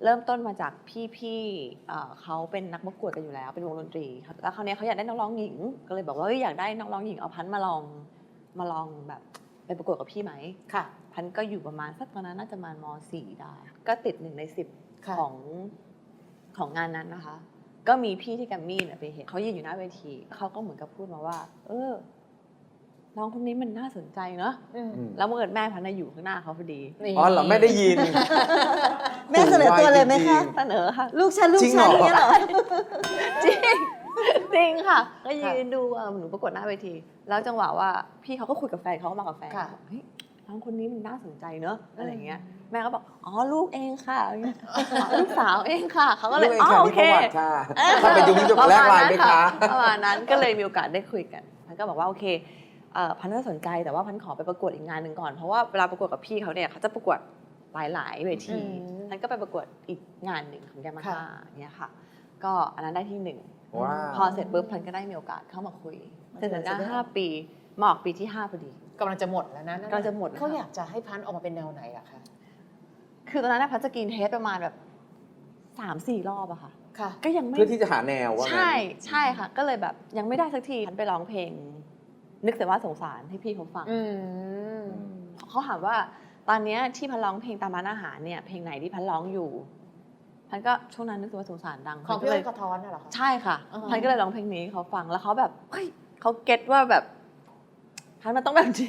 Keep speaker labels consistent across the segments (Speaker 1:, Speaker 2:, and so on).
Speaker 1: เริ่มต้นมาจากพี่เขาเป็นนักประกวดกันอยู่แล้วเป็นวงดนตรีแล้วคราวนี้เขาอยากได้นักร้องหญิงก็เลยบอกว่าอยากได้นักร้องหญิงเอาพันธุ์มาลองแบบไปประกวดกับพี่ไหม
Speaker 2: ค่ะ
Speaker 1: พันธุ์ก็อยู่ประมาณสักตอนนั้นน่าจะประมาณม.4 ได้ก็ติด1 ใน 10ของงานนั้นนะคะก็มีพี่ที่แกรมมี่เนี่ยไปเห็นเขายืนอยู่หน้าเวทีเขาก็เหมือนกับพูดมาว่าน้องคนนี้มันน่าสนใจเนอะแล้วเมื่อเกิดแม่พันธุ์อยู่ข้างหน้าเขาพอดี
Speaker 3: อ๋อเหรอไม่ได้ยิน
Speaker 4: แม่เสนอตัวเลยไหมคะ
Speaker 1: เสนอค่ะ
Speaker 4: ลูกฉันอย่างเงี้ยเหรอ
Speaker 1: จริงค่ะก็ยืนดูหนูประกวดหน้าเวทีแล้วจังหวะว่าพี่เขาก็คุยกับแฟนเขาก็มากับแฟนเฮ้ยน้องคนนี้มันน่าสนใจเนอะอะไรเงี้ยแม่ก็บอกอ๋อลูกเองค่ะลูกสาวเองค่ะเขาก็เลยอ๋อโอเค
Speaker 3: ถ้าเป็นยุคนี้จะแลกไลน์ไหมคะ
Speaker 1: ประมาณนั้นก็เลยมีโอกาสได้คุยกันพันก็บอกว่าโอเคพันน่าสนใจแต่ว่าพันขอไปประกวดอีกงานหนึ่งก่อนเพราะว่าเวลาประกวดกับพี่เขาเนี่ยเขาจะประกวดหลายเวทีพันก็ไปประกวดอีกงานหนึ่งของยามาฮ่าเนี่ยค่ะก็อันนั้นได้ที่1พอเสร็จปุ๊บพันก็ได้มีโอกาสเข้ามาคุยเสร็จแล้ว5 ปีมาออกปีที่5พอดี
Speaker 2: กำลังจะหมดแล้วนะ
Speaker 1: กำลังจะหมด
Speaker 2: เขาอยากจะให้พันธุ์ออกมาเป็นแนวไหนอะคะ
Speaker 1: คือตอนนั้นพันจะกินเทสประมาณแบบ3-4 รอบอะค่ะก็ยังไม่
Speaker 3: เพื่อที่จะหาแนวว่า
Speaker 1: ใช่ค่ะก็เลยแบบยังไม่ได้สักทีพันไปร้องเพลงนึกแต่ว่าสงสารให้พี่เขาฟังเขาถามว่าตอนนี้ที่พันร้องเพลงตามร้านอาหารเนี่ยเพลงไหนที่พันร้องอยู่พันก็ช่วงนั้นนึกแต่ว่าสงสารดัง
Speaker 2: ของพี่อ้อยกระท้อนน่ะเหรอคะ
Speaker 1: ใช่ค่ะพันก็เลยร้องเพลงนี้เขาฟังแล้วเขาแบบเฮ้ยเขาเก็ตว่าแบบพันมันต้องแบบนี้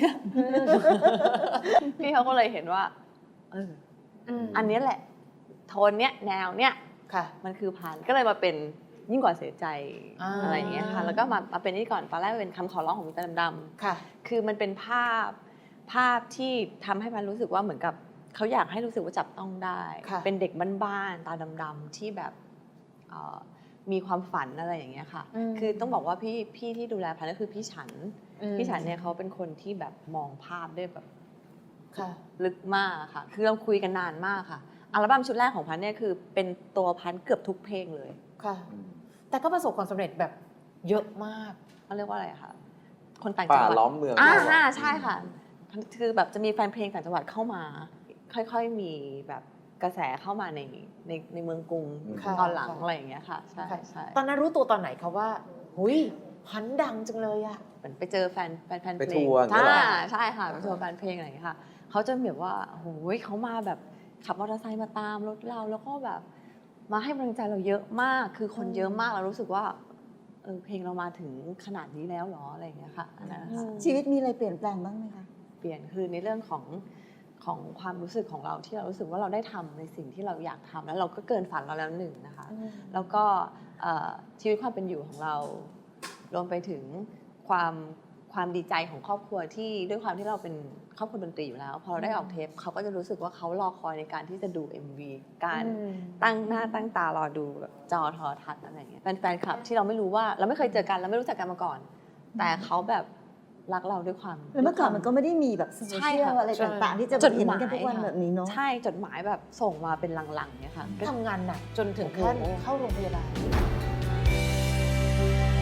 Speaker 1: พี่เขาก็เลยเห็นว่าอันนี้แหละโทนเนี้ยแนวเนี้ยมันคือพันก็เลยมาเป็นยิ่งกว่าเสียใจอะไรอย่างเงี้ยค่ะแล้วก็มาเป็นนี่ก่อนตอนแรกเป็นคำขอร้องของมิตรดำๆคือมันเป็นภาพที่ทำให้พันรู้สึกว่าเหมือนกับเขาอยากให้รู้สึกว่าจับต้องได้เป็นเด็กบ้านๆตาดำๆที่แบบมีความฝันอะไรอย่างเงี้ยค่ะคือต้องบอกว่าพี่ที่ดูแลพันก็คือพี่ฉันเนี่ยเขาเป็นคนที่แบบมองภาพได้แบบลึกมากค่ะคือเราคุยกันนานมากค่ะอัลบั้มชุดแรกของพันเนี่ยคือเป็นตัวพันเกือบทุกเพลงเลย
Speaker 2: ค่ะแต่ก็ประสบความสำเร็จแบบเยอะมาก
Speaker 1: เขาเรียกว่าอะไรคะคนต่างจังหวัด
Speaker 3: ป่าล้อมเมือง
Speaker 1: ใช่ค่ะคือแบบจะมีแฟนเพลงต่างจังหวัดเข้ามาค่อยๆมีแบบกระแสเข้ามาในเมืองกรุงตอนหลังอะไรอย่างเงี้ยค่ะใช่
Speaker 2: ตอนนั้นรู้ตัวตอนไหนคะว่าหุยพันดังจังเลยอะ
Speaker 1: เหมือนไปเจอแฟนเพลง
Speaker 3: ไปทัวร์
Speaker 1: ใช่ค่ะไปทัวร์แฟนเพลงอะไรอย่างเงี้ยค่ะเขาจะแบบว่าโอ้ยเขามาแบบขับมอเตอร์ไซค์มาตามรถเราแล้วก็แบบมาให้กำลังใจเราเยอะมากคือคนเยอะมากเรารู้สึกว่าเพลงเรามาถึงขนาดนี้แล้วหรออะไรอย่างเงี้ยค่ะอันนั้นค่ะ
Speaker 4: ชีวิตมีอะไรเปลี่ยนแปลงบ้างไหมคะ
Speaker 1: เปลี่ยนคือในเรื่องของความรู้สึกของเราที่เรารู้สึกว่าเราได้ทำในสิ่งที่เราอยากทำแล้วเราก็เกินฝันเราแล้วหนึ่งนะคะแล้วก็ชีวิตความเป็นอยู่ของเรารวมไปถึงความดีใจของครอบครัวที่ด้วยความที่เราเป็นครอบครัวดนตรีอยู่แล้วพอเราได้ออกเทปเขาก็จะรู้สึกว่าเขารอคอยในการที่จะดู MV การตั้งหน้าตั้งตารอดูแบบจอโทรทัศน์อะไรอย่างเงี้ยแฟนคลับที่เราไม่รู้ว่าเราไม่เคยเจอกันเราไม่รู้จักกันมาก่อนแต่เขาแบบรักเราด้วยความ
Speaker 4: แล้วเมื่อก่อนมันก็ไม่ได้มีแบบโซเชียลอะไรต่างๆที่จะเห็นกันทุกวันแบบนี้เนาะ
Speaker 1: ใช่จดหมายแบบส่งมาเป็นลังๆเนี่ยค่ะ
Speaker 2: ทำงานหนักจนถึงขั้นเข้าโรงพยาบาล